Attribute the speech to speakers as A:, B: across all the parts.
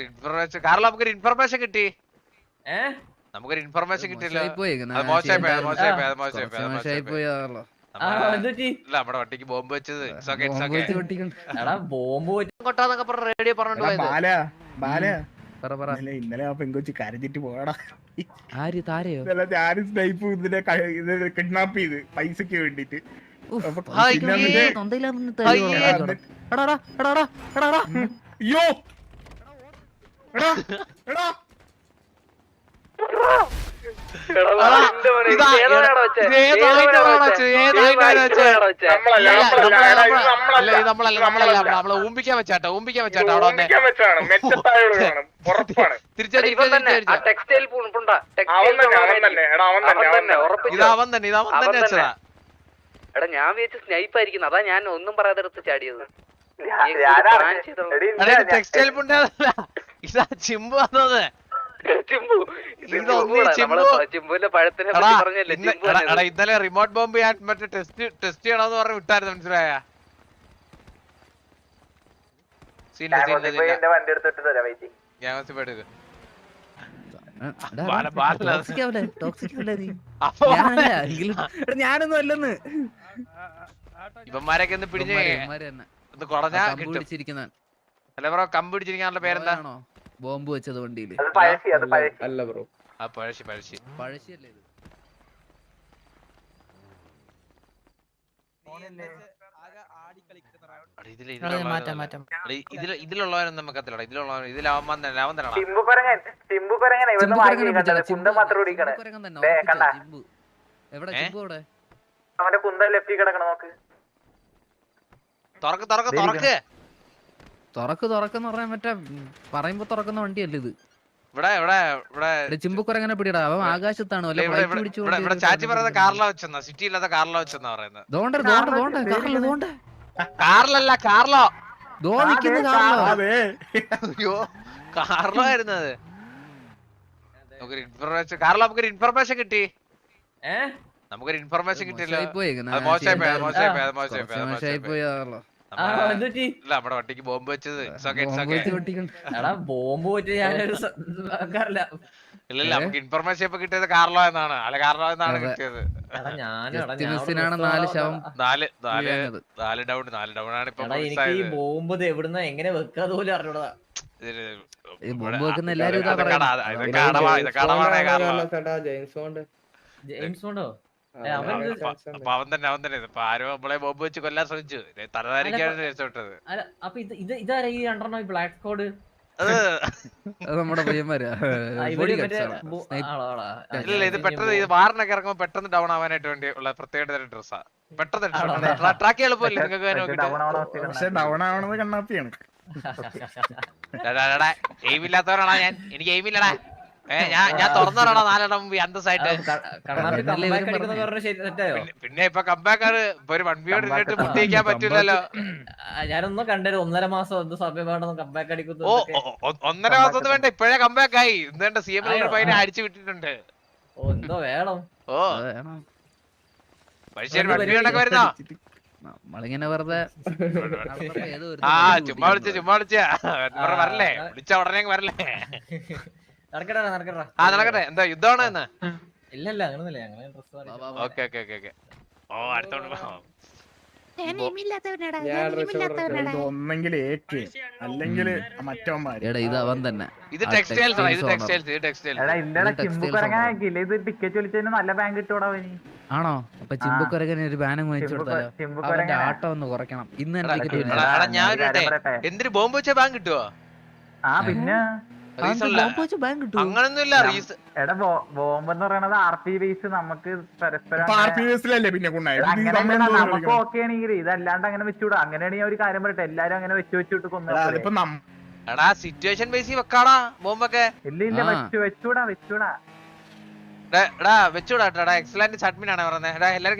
A: Information കാരണം നമുക്കൊരു information കിട്ടി. നമുക്കൊരു ഇൻഫർമേഷൻ കിട്ടിയല്ലോ. നമ്മുടെ വണ്ടിക്ക് ബോംബ് വെച്ചത് റേഡിയോ പറഞ്ഞിട്ട്
B: ഇന്നലെ ആ പെങ്കൊച്ച് കരഞ്ഞിട്ട് പോകടാ.
C: ആര് താരയോ?
B: ഞാനും സ്നൈപ്പും ഇതിനെ കിഡ്നാപ്പ് ചെയ്ത് പൈസക്ക് വേണ്ടിട്ട്. അയ്യോ
A: നമ്മളെ ഊമ്പിക്കാൻ വെച്ചാട്ടോ അവിടെ ഇതാവൻ തന്നെ വെച്ചതാ.
C: എടാ ഞാൻ വിചാരിച്ച സ്നൈപ്പ് ആയിരിക്കുന്നു, അതാ ഞാൻ ഒന്നും പറയാതെ എടുത്ത് ചാടിയത്.
A: ടെക്സ്റ്റൈൽ പുണ്ടല്ല, ഇതാ ചിമ്പു വന്നത്. ഇന്നലെ റിമോട്ട് ബോംബ് ഞാൻ മറ്റേ ടെസ്റ്റ് ചെയ്യണമെന്ന് പറഞ്ഞ് വിട്ടായിരുന്നു, മനസ്സിലായ?
C: ഞാനൊന്നും അല്ലെന്ന്
A: ഇവന്മാരൊക്കെ ഒന്ന് പിടിഞ്ഞ് കുറഞ്ഞാ കിട്ടും. അല്ല ബ്രോ, കമ്പ് പിടിച്ചിരിക്കാനുള്ള പേരെന്താ?
C: ബോംബ് വെച്ചത് വണ്ടിയില്
B: അല്ല ബ്രോ,
A: പഴശ്ശി
C: പഴശ്ശിയല്ലേ ഇത്?
A: ഇതിലുള്ളവരൊന്നും നമുക്കത്തില്ല. ഇതിലാവാൻ തന്നെ
C: തുറക്കെന്ന് പറഞ്ഞാൽ മറ്റേ പറയുമ്പോ തുറക്കുന്ന വണ്ടിയല്ലേ ഇത്?
A: ഇവിടെ
C: ചിമ്പുക്കുരങ്ങനെ പിടിയടാ, അവൻ ആകാശത്താണ്.
A: ചാച്ചി പറയുന്നത് കാറില വെച്ചെന്നാ, സിറ്റി ഇല്ലാത്ത കാറില വെച്ചെന്നാ പറയുന്നത്. കാറിലല്ല, കാർലോ. അയ്യോ, കാർലോ ആയിരുന്നത്. നമുക്കൊരു ഇൻഫർമേഷൻ കിട്ടി. നമുക്കൊരു ഇൻഫർമേഷൻ കിട്ടിയല്ലോ. നമ്മുടെ വണ്ടിക്ക് ബോംബ് വെച്ചത് ഇല്ലല്ല, നമുക്ക് ഇൻഫർമേഷൻ ഇപ്പൊ കിട്ടിയത് കാർലോ എന്നാണ്. അല്ല, കാർലോ എന്നാണ് കിട്ടിയത്. 4 ഡൗൺ ആണ് ഇപ്പൊ.
C: ബോംബ് എവിടുന്ന എങ്ങനെ വെക്കാതെ പോലും അറിഞ്ഞൂടാ.
A: അപ്പൊ അവൻ തന്നെ ഇപ്പൊ ആരോ നമ്മളെ ബോംബ് വെച്ച് കൊല്ലാൻ ശ്രമിച്ചു. തലധാരിക്കാണ് രക്ഷപ്പെട്ടത്.
C: നമ്മുടെ പയ്യന്മാരാ.
A: ഇല്ല, ഇത് പെട്ടെന്ന് ഇത് വാറിനൊക്കെ ഇറങ്ങുമ്പോ പെട്ടെന്ന് ഡൗൺ ആവാനായിട്ട് വേണ്ടി ഉള്ള പ്രത്യേക തരം ഡ്രസ്സാ. പെട്ടെന്ന് ട്രാക്ക് എളുപ്പമില്ല നിങ്ങൾക്ക്. എയിം ഇല്ലാത്തവരാണോ ഞാൻ? എനിക്ക് എയിം ഇല്ലടാ. ഞാൻ തുറന്നോടാ 4 മുമ്പ് അന്തസ്സായിട്ട്. പിന്നെ ഇപ്പൊ കമ്പാക്കാറ് ഇപ്പൊ ഒരു 1v1 ഇട്ടിട്ട് മുട്ടിക്കാൻ പറ്റൂലല്ലോ.
C: ഞാനൊന്നും കണ്ടൊരു 1.5 മാസം സമയം കമ്പാക്ക് അടിക്കുന്നു.
A: 1.5 മാസം വേണ്ട, ഇപ്പഴേ കമ്പാക്ക് ആയി. എന്തുകൊണ്ട് CM പൈനെ അടിച്ചു വിട്ടിട്ടുണ്ട്.
C: എന്തോ വേണം.
A: പക്ഷേ 1v1 ഒക്കെ വരുന്നോ?
C: നമ്മളിങ്ങനെ വെറുതെ
A: ചുമ്മാ വിളിച്ച വരല്ലേ, വിളിച്ച ഉടനെ വരല്ലേ. നടക്കട്ടെ. എന്താ യുദ്ധമാണ് ഇന്ന്?
C: ഇല്ലല്ല,
A: ഓക്കെ. ഓ, അടുത്തോണ്ട്
B: ഒന്നെങ്കിൽ ഏക്ക് അല്ലെങ്കിൽ മറ്റവന്മാര്.
C: ഇത് അവൻ തന്നെ.
A: ഇത് ടെക്സ്റ്റൈൽസ്.
C: ആണോ? അപ്പൊ ചിമ്പുക്കുരകന് ഒരു ബാനം വാങ്ങിച്ചു കൊടുത്താലോ? അവന്റെ ആട്ടം ഒന്ന് കുറയ്ക്കണം. ഇന്ന്
A: എന്തിനു ബോംബ് വെച്ചാൽ ബാങ്ക് കിട്ടുവോ?
D: പിന്നെ
A: അങ്ങനൊന്നുമില്ല.
D: ബോംബ് എന്ന് പറയുന്നത് RP ബേസ്. നമുക്ക് പരസ്പരം
B: പിന്നെ
D: നമുക്ക് ഓക്കെ ആണെങ്കിൽ ഇതല്ലാണ്ട് അങ്ങനെ വെച്ചുകൂടാ. അങ്ങനെയാണെങ്കിൽ ഒരു കാര്യം പറയട്ടെ, എല്ലാരും അങ്ങനെ വെച്ചിട്ട് കൊന്നു.
A: സിറ്റുവേഷൻ ബേസിൽ വെക്കാടാ ബോംബൊക്കെ.
D: ഇല്ല, വെച്ചൂടാ.
A: എക്സലന്റ് അഡ്മിൻ ആണ് പറയുന്നത്. എല്ലാരും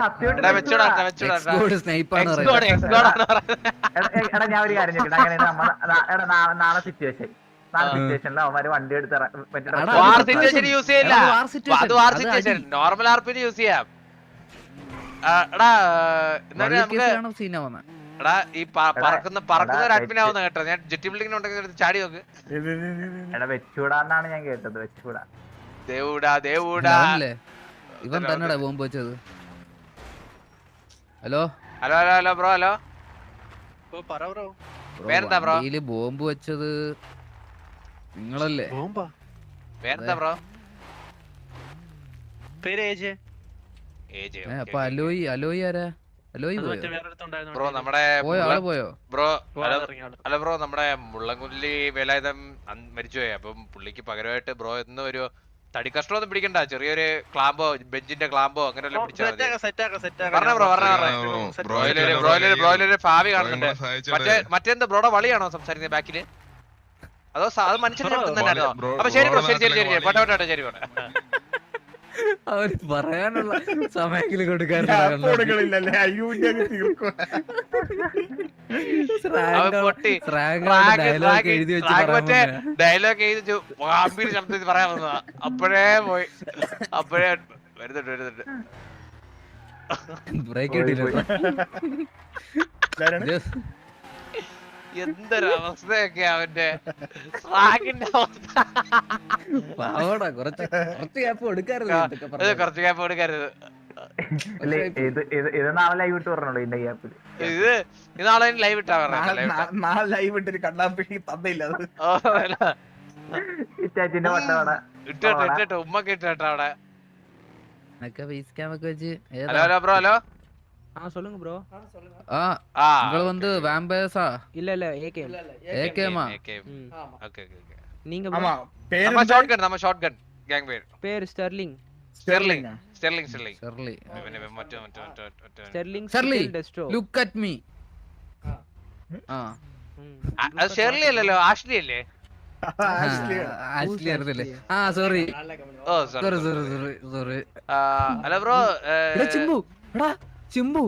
D: ഞാൻ ഒരു കാര്യം ചോദിക്കട്ടെ, അങ്ങനെ നാളെ സിറ്റുവേഷനിൽ അവന്മാര് വണ്ടി എടുത്ത്
A: യൂസ് ചെയ്യില്ല. അത് വാർ സിറ്റുവേഷൻ, നോർമൽ ആർപിന് യൂസ് ചെയ്യാം. എടാ ഈ പറക്കുന്ന ഒരു അഡ്മിൻ ആവുന്ന കേട്ടോ. ഞാൻ ജെറ്റി ബിൽഡിംഗ് ഉണ്ടെങ്കിൽ ചാടി നോക്ക്.
D: എടാ വെച്ചൂടാന്നാണ് ഞാൻ കേട്ടത്. വെച്ചൂടാ.
A: ദേവൂടാ ദേവൂടാ.
C: ഇവൻ തന്നെടാ ബോംബ് വെച്ചത്. Hello
A: hello hello hello bro. Hello പേരെന്താ ബ്രോ?
C: ബോംബ് വെച്ചത് നിങ്ങളല്ലേ?
A: പേരെന്താ ബ്രോ?
C: അപ്പൊ അലോയി ആരാ? അലോയി
A: ബ്രോ നമ്മുടെ
C: പോയോ?
A: ബ്രോ അല്ല ബ്രോ നമ്മുടെ മുള്ളൻകുല്ലി വേലായുധം മരിച്ചുപോയി. അപ്പം പുള്ളിക്ക് പകരമായിട്ട് ബ്രോ എന്നും ഒരു തടി കഷ്ടമൊന്നും പിടിക്കണ്ട, ചെറിയൊരു ക്ലാമ്പോ ബെഞ്ചിന്റെ ക്ലാമ്പോ അങ്ങനെ വല്ലതും പിടിച്ചാൽ പറഞ്ഞ ബ്രോ. ബ്രോയിലൊരു ഭാവി കാണുന്നുണ്ട്. മറ്റെന്ത് ബ്രോയുടെ വളിയാണോ സംസാരിക്കുന്നത് ബാക്കില്? അതോ അത് മനുഷ്യനെ തന്നെയാണോ? അപ്പൊ ശരി ബ്രോ, ശരി ശരി ശരി പോട്ടെ ശരി പോട്ടെ.
C: അവര് പറയാനുള്ള സമയത്തില് കൊടുക്കാൻ
A: ഡയലോഗ് എഴുതി ഗാംഭീര്യ ശബ്ദത്തിൽ പറയാൻ വന്നതാ. അപ്പോഴേ പോയി. അപ്പോഴേ വരുന്നുണ്ട്.
C: ബ്രേക്ക് കിട്ടിയില്ല.
A: എന്തൊരു അവസ്ഥയൊക്കെ അവന്റെ സ്ലാഗിന്റെ അവസ്ഥ.
C: കുറച്ച് ഗ്യാപ്പ് കൊടുക്കരുത്.
A: കുറച്ച് ഗ്യാപ്പ് കൊടുക്കരുത്.
D: ഇത് നാളെ ലൈവ് ഇട്ട് പറഞ്ഞോളൂ. ഇതിന്റെ ഗ്യാപ്പിൽ
A: ഇത് നാളെ ലൈവ് ഇട്ടാ
B: നാളെ ലൈവ് ഇട്ടൊരു കണ്ണാപ്പി തന്നില്ല.
D: ഇറ്റാച്ചിന്റെ വട്ടവട
A: ഇട്ടോ ഉമ്മക്ക് ഇട്ടോ അവിടെ.
C: Hello
A: hello bro. ഹലോ
E: சொல்லுங்க ப்ரோ.
C: നിങ്ങൾ வந்து வாம்பயர்ஸா?
E: இல்ல
C: ஏகேமா?
A: ஓகே
E: நீங்க
B: ஆமா பேர்
A: நம்ம ஷாட்கன் கேங்
E: பேர் ஸ்டெர்லிங்.
A: ஸ்டெர்லிங்
E: டெஸ்ட்ரோ.
C: Look at me.
A: അത് ഷെർലി അല്ലല്ലോ, ആഷ്ലി അല്ലേ?
C: ആഷ്ലി അറിയില്ലേ? സോറി.
A: ഓ സോറി. Hello bro.
C: ചിമ്പു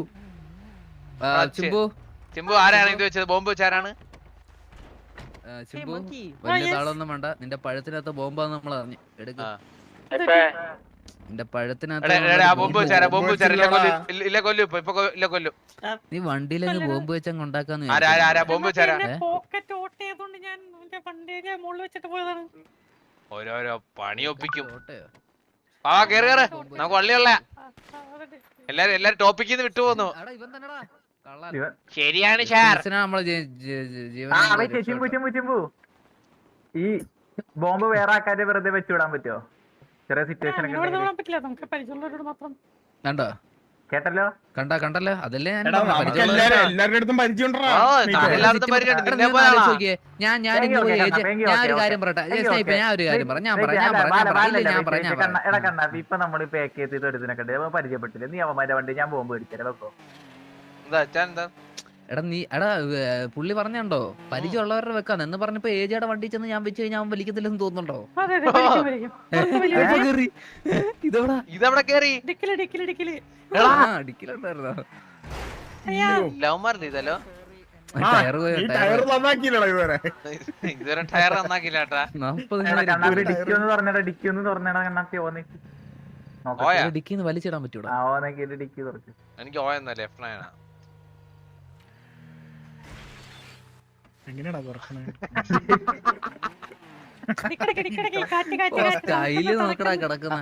A: ആരാണ് ഇത് വെച്ചത്? ബോംബ് വെച്ച ആരാണ്?
C: ചിമ്പു വലിയ താളൊന്നും വേണ്ട. നിന്റെ പഴത്തിനകത്ത് ബോംബാന്ന് നമ്മൾ അറിഞ്ഞു. എടുക്ക നിന്റെ പഴത്തിനകത്ത്. നീ വണ്ടിയിലങ്ങ് ബോംബ് വെച്ചങ്ങ് ഉണ്ടാക്കാന്ന്.
A: ഓരോരോ പണി ഒപ്പിക്കും. കേറി നമുക്ക് വള്ളിയുള്ള എല്ലാരും ടോപ്പിക്കിന്ന് വിട്ടുപോന്നു. ശരിയാണ്
D: ചിമ്പു. ഈ ബോംബ് വേറെ ആൾക്കാരെ വെറുതെ വെച്ചുവിടാൻ പറ്റുമോ? ചെറിയ സിറ്റുവേഷൻ
C: കണ്ടോ?
D: കേട്ടല്ലോ?
C: കണ്ടല്ലോ? അതല്ലേ
B: എല്ലാവരുടെ അടുത്തും പരിചയമുണ്ടോ?
C: ഞാനൊരു കാര്യം പറയാം.
D: ഇപ്പൊ നമ്മള് പാക്ക് ചെയ്ത് എടുത്തിനൊക്കെ പരിചയപ്പെട്ടില്ല. നീ അവന്മാരുടെ വണ്ടി ഞാൻ ബോംബ് മേടിച്ചാലോ? വെക്കോ
C: എടാ പുള്ളി പറഞ്ഞോ പരിചയമുള്ളവരുടെ വെക്കാന്ന് എന്ന് പറഞ്ഞപ്പോ ഏജയുടെ വണ്ടി ചെന്ന് ഞാൻ വെച്ച് കഴിഞ്ഞാൽ അവൻ വലിക്കത്തില്ലെന്ന് തോന്നുന്നുണ്ടോ?
A: ഇതവിടെ കേറി
C: ഡിക്കിലുണ്ടായിരുന്നോ?
A: ലവ്മാരുടെ ഇതല്ലോ. ഇതുവരെ ടയർ നന്നാക്കില്ല കേട്ടാ.
C: ഡിക്കിന്ന് വലിച്ചിടാൻ പറ്റൂടാ.
A: എനിക്ക് ഓയെന്നാ ലെഫ്റ്റ് നയനാ.
B: എങ്ങനെയാടാ കുറക്കണേ?
C: സ്റ്റൈല് നോക്കടാ കിടക്കുന്ന.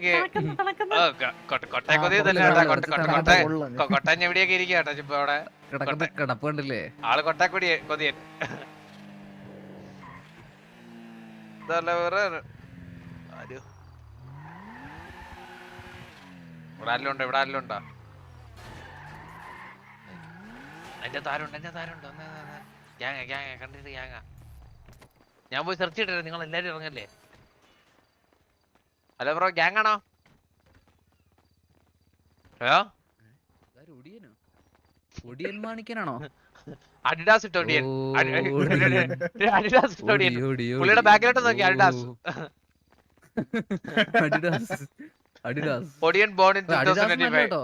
A: കൊട്ടൻ എവിടെയൊക്കെ ഇരിക്കട്ടോ ഇപ്പൊ അവിടെ
C: കിടപ്പ് കണ്ടില്ലേ?
A: ആള് കൊട്ടാക്കൊടി കൊതിയൻ. വേറെ ഇവിടെ ആരെല്ലാം ഉണ്ടോ? എന്റെ താരുണ്ടോ? കണ്ടിട്ട് ഗ്യാങ്ങ. ഞാൻ പോയി സെർച്ച് ചെയ്തിട്ട് നിങ്ങൾ എല്ലാരും ഇറങ്ങല്ലേ? ഹലോ ബ്രോ, ഗ്യാങ് ആണോ? ഹലോ
C: ഒടിയൻ മാണിക്കനാണോ?
A: അഡിഡാസ് ഇട്ടോ ഒടിയൻ. അഡിഡാസ് ഇട്ടോ ഒടിയൻ. പുള്ളിയുടെ ബാക്കിലോട്ട് നോക്കി Adidas. Odiyan born in 2025.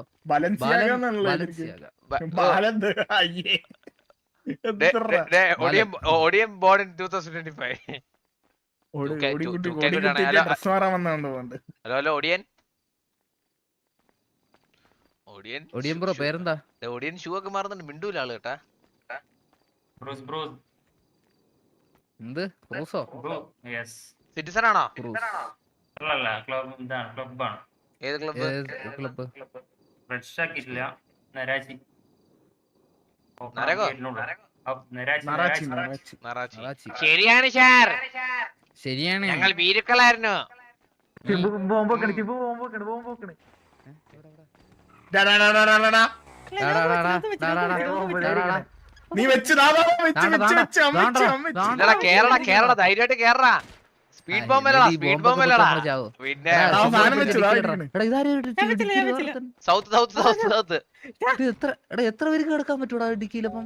A: Odiyan born in 2025. Hello Odiyan.
C: Odiyan bro പേരെന്താ?
A: ഒടിയൻ ഷൂ ഒക്കെ മാറുന്നുണ്ട്. മിണ്ടൂല ആള് കേട്ടാ.
C: എന്ത് ക്രൂസോ?
A: സിറ്റിസൺ ആണോ?
C: ക്രൂസ്
A: ഏത് ക്ലബ്ബ്?
C: ക്ലബ്ബ്?
A: നരകോ?
B: നറാച്ചി
C: നറാച്ചി.
A: ശരിയാണ് സാർ,
C: ശരിയാണ്.
A: ഞങ്ങൾ ഭീരുക്കളായിരുന്നു.
D: ചിമ്പു ബോംബ് വെക്കണ്, ചിമ്പു ബോംബ് വെക്കണ്, ബോംബ് വെക്കണ്.
B: ഡാ, ഡാ, ഡാ, ഡാ, ഡാ, ഡാ, ഡാ. നീ വെച്ച്
A: ഇല്ലടാ, കേറടാ ധൈര്യമായിട്ട് കേറടാ. Speed ബോംബല്ലടാ, speed ബോംബല്ലടാ. പിന്നെ സൗത്ത്
C: എത്ര പേർക്ക് കിടക്കാൻ പറ്റൂടാ ഇടുക്കിയിലപ്പം?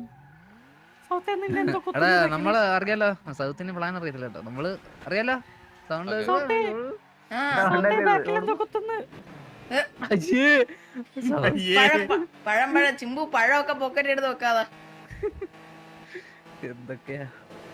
C: എടാ നമ്മള് അറിയാലോ, സൗത്തിന് പ്ലാൻ അറിയത്തില്ല കേട്ടോ. നമ്മള് അറിയാലോ സൗണ്ട്.
F: പഴം ചിമ്പു പഴമൊക്കെ പോക്കറ്റ് എടുത്ത് വെക്കാതെ
C: എന്തൊക്കെയാ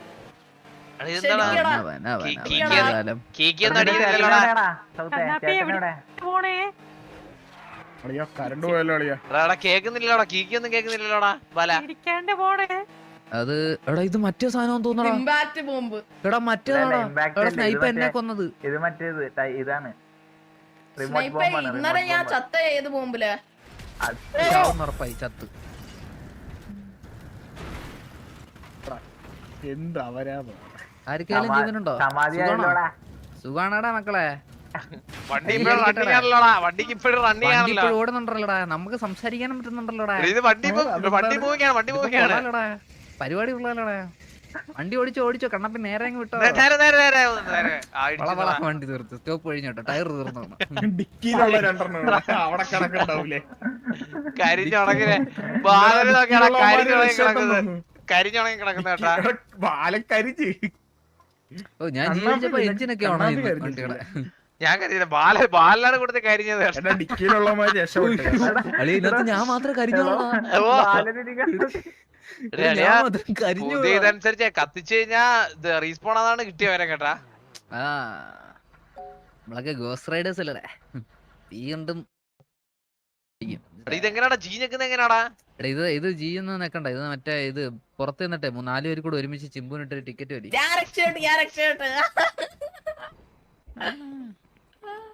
B: കരണ്ട് പോയല്ലോ അളിയാ.
A: കേക്കുന്നില്ലല്ലോടാ, കീക്കൊന്നും കേക്കുന്നില്ലല്ലോടാ ബല.
C: അത് എടാ ഇത് മറ്റേ സാധനം തോന്നടാ.
F: Impact bomb.
C: എടാ മറ്റേതാടാ. എടാ സ്നൈപ്പ് എന്നെ കൊന്നത്.
D: ഇത് മറ്റേത് ഇതാണ്.
F: ഇന്നലെ ഞാൻ ചത്ത ഏത് ബോംബില്
C: ഉറപ്പായി ചത്ത്.
B: എന്ത് അവരാധം.
C: ആർക്കെങ്കിലും ജീവനുണ്ടോ? സുഖാണടാ മക്കളെ.
A: വണ്ടി ഇപ്പോഴും റണ്ണിങ് ആണല്ലോടാ, വണ്ടിക്ക് ഇപ്പോഴും റണ്ണിങ് ആണല്ലോ.
C: ഓടുന്നുണ്ടല്ലോടാ, നമുക്ക് സംസാരിക്കാനും പറ്റുന്നുണ്ടല്ലോടാ.
A: ഇത് വണ്ടി പോവുകയാണ്.
C: പരിപാടി ഉള്ളല്ലോടാ. വണ്ടി ഓടിച്ചോ കണ്ണപ്പി നേരെ അങ്ങ് വിട്ടോ. വണ്ടി തീർത്തു, സ്റ്റോപ്പ് കഴിഞ്ഞോട്ടോ, ടയർ തീർന്നു.
B: ഡിക്കിയിലുള്ള രണ്ടെണ്ണം അവിടെ കിടക്കുന്നുണ്ടാവൂലേ.
A: കരിഞ്ഞുണങ്ങിനെ കരിഞ്ഞുണങ്ങി കിടക്കുന്ന കേട്ടാ.
B: ബാലക്കരിച്ച്.
C: ഓ ഞാൻ ജീവിച്ചപ്പോ എഞ്ചിനൊക്കെ ആണോ വണ്ടികളെ?
A: ഞാൻ കരുതിയില്ല ബാലാണ് കൊടുത്ത് കരിഞ്ഞത്.
B: ഡിക്കിയിലുള്ളമാര് രക്ഷപ്പെട്ടു.
C: അളി ഇതിനകത്ത് ഞാൻ മാത്രമേ കരിഞ്ഞോളാ.
A: ഇതനുസരിച്ച് കത്തിച്ചു കഴിഞ്ഞാ റീസ്പോൺ അതാണ് കിട്ടിയവരെ കേട്ടാ.
C: ആ നമ്മളൊക്കെ ഗോസ്റ്റ് റൈഡേഴ്സ് അല്ലേ. തീ കണ്ടും
A: ഇതെങ്ങനാടാ ജി ഞെക്കുന്ന എങ്ങനാടാ?
C: ഇത് ജീന്ന് നിക്കണ്ട, ഇത് മറ്റേ ഇത് പുറത്ത് നിന്നിട്ടെ 4 പേര് കൂടെ ഒരുമിച്ച് ചിമ്പൂനിട്ട് ടിക്കറ്റ് വലി.